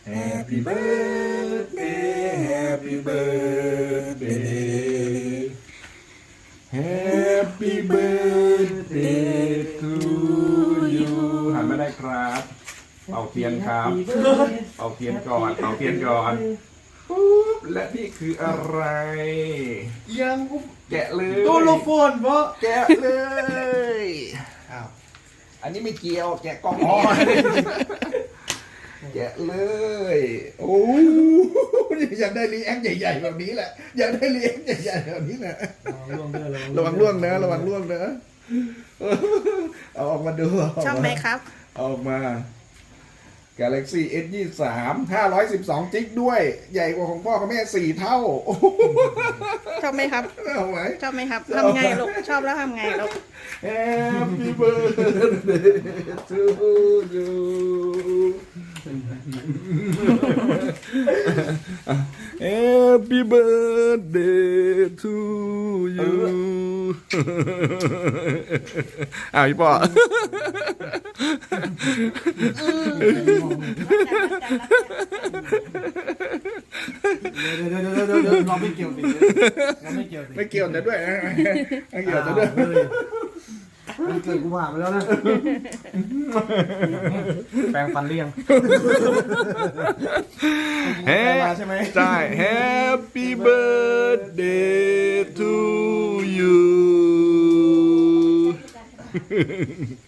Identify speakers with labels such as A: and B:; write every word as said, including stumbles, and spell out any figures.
A: Happy birthday Happy birthday Happy birthday to you หันมาได้ครับเป่าเทียนครับเป่าเทียนก่อนเป่าเทียนก่อนปุ๊บและนี่คืออะไร
B: ยัง
A: แกะเลย
B: ตัวโลโฟนเพราะ
A: แกะเลย
B: อ้าว
A: อันนี้ไม่เกี่ยวแกะกล่องอ๋อแกะเลยโอ้อยากได้รีแอคใหญ่ๆแบบนี้แหละอยากได้รีแอคใหญ่ๆแบบนี้แหละระวังล่วงนะระวังล่วงนะเอาออกมาดู
C: ชอบไหมครับ
A: เอาออกมา Galaxy เอส ยี่สิบสาม ห้าร้อยสิบสองจิกด้วย ใหญ่กว่าของพ่อกับแม่สี่เท่า
C: ชอบไหมครับ
A: เอาไหม
C: ชอบไหมครับทำไงลูกชอบแล้วทำไงลูก
A: Happy birthday to you Happy birthday to you อ้าวพี่ปอ
B: เดี๋ยวเดี๋ยวเดี๋ยวเดี๋ยวเดี๋ยวเราไม่เกี่ยวสิเราไม่เกี่ยวสิ
A: ไม่เกี่ยวนะด้วยนะไม่เกี่ยวนะด้วย
B: มันเกิดกูผ่านไปแล้วนะแปรงฟันเลี่ยง
A: แฮป
B: ใช่ไหม
A: ใช่ Happy birthday to you